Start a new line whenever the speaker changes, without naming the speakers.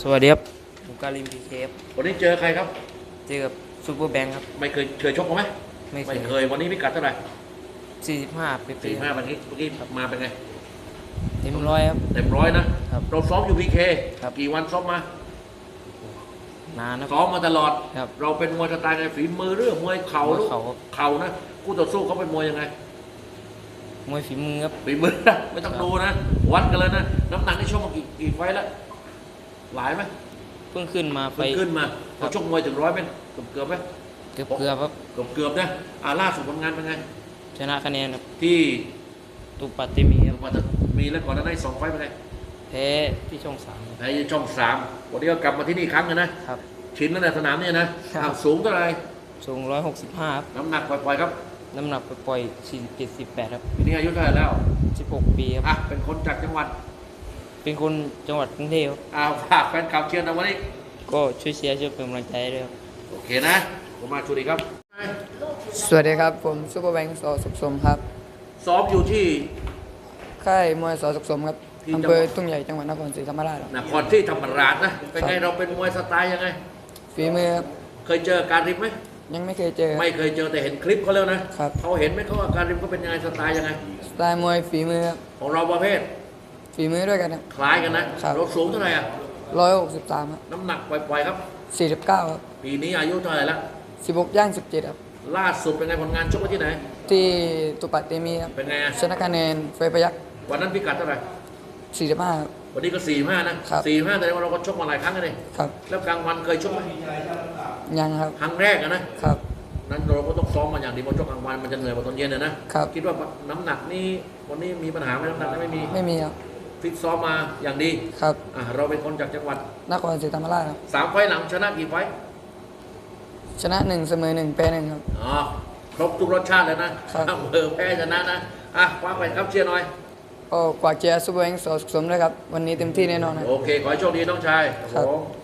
สวัสดีครับผมการิมพีเคฟ
วันนี้เจอใครครับ
เจอกับซูเปอร์แบงค์ครับ
ไม่เคยชกกันไหม
ไม่เค
ยวันนี้พิกัดเท่าไหร่
45ปี
45วันนี้เมื่อกี้มาเป็นไง
เต็มร้อยครับ
เต็มร้อยนะครับเราซ้อมอยู่พีเค
ครับ
กี่วันซ้อมมา
นานนะ
ซ้อมมาตลอด
ครับ
เราเป็นมวยสไตล์ไงฝีมือเรื่องมวยเข่าลูกเข่านะคู่ต่อสู้เขาเป็นมวยยังไง
มวยฝีมือครับ
ฝีมือนะไม่ต้องดูนะวัดกันเลยนะน้ำหนักที่ชกมากี่ไฟแล้วหลายไหม
เพิ่งขึ้นมาไป
ขึ้นมาเขาชกมวยถึง100ไหมเกือบไหม
เกือบครับ
เกือบนะล่าสุดผลงานเป็นไง
ชนะคะแนนครับ
ที่
ตุปัตติมีครับ
มีแล้วก่อนหน้านั้น2 ไฟเป็นไง
แพ้ที่ช่อง3
แพ้ช่อง3วันนี้ก็กลับมาที่นี่ครั้งนึงนะครับชินแล้วในสนามเนี่ยนะครับสูงเท่าไหร่
สูง165ครับ
น้ำหนักปล่อยๆครับ
น้ำหนักปล่อย47-48ครับ
ปีนี้อายุเท่าไหร่แล้ว
16ปีครับ
เป็นคนจากจังหวัด
เป็นคนจังหวัดกรุงเทพ
ฝากแฟนคลับเชียร์นะวันนี้
ก็ช่วยเชียร์ช่วยเป็นกำลังใจด้วยครับ
โอเคนะผมมาชูดีครับ
สวัสดีครับผมซุปเปอร์แบงค์สอสุขสมครับ
ซ้อมอยู่ที่
ค่ายมวยสอสุขสมครับอำเภอทุ่งใหญ่จังหวัดนครศรีธรรมราช
นครที่ธรรมราชนะเป็นไงเราเป็นมวยสไตล์ยังไง
ฝีมือครับ
เคยเจอการริมไหม
ยังไม่เคยเจอ
ไม่เคยเจอแต่เห็นคลิปเขาแล้วนะครับเขาเห็นไหมเขาว่าการริมเขาเป็นยังไงสไตล์ยังไง
สไตล์มวยฝีมือครับ
ของเราประเภท
ฝีมือด้วยกันครับ
คล้ายกันนะเราสูงเท่าไหร่
163ครับ
น้ำหนักปล่อยๆครับ
49ครับ
ปีนี้อายุเท่าไหร่ละ
16ย่าง17ครับ
ล่าสุดเป็นไงผลงานชกไว้ที่ไหน
ที่ตุปัตเตมีครับ
เป็นไง
ชนะคะแนนเฟยพยัก
วันนั้นพิกัดเท่าไหร่
45ครับ
วันนี้ก็45นะครับ45แต่ว่าเราก็ชกมาหลายครั้งเลย
ครับ
แล้วกลางวันเคยชกไหม
ยังครับ
ครั้งแรกนะครับนั้นเราก็ต้องซ้อมมาอย่างดีเพราะชกกลางวันมันจะเหนื่อยกว่าตอนเย็นนะครับคิดว่าน้ำหนักนี่วันนี้มีปัญหาไหมน้ำหนัก
ไม่มีครับ
ฟิตซ้อมมาอย่างดี
ครับ
เราเป็นคนจากจังหวัด
นครศรีธรรมราชครับ
3 ไฟล์หลังชนะกี่ไฟล์
ชนะ1เสมอ1แพ้1ครับ
ครบทุกรสชาติเลยนะครับแพ้ชนะนะคว้าไปครับเชียร์หน่อย
ก็กว่าเชียร์ซุปเปอร์แบงค์สอสุขสมด้วยครับวันนี้เต็มที่แน่นอนครับ
โอเคขอให้โชคดีน้องชาย
ครับ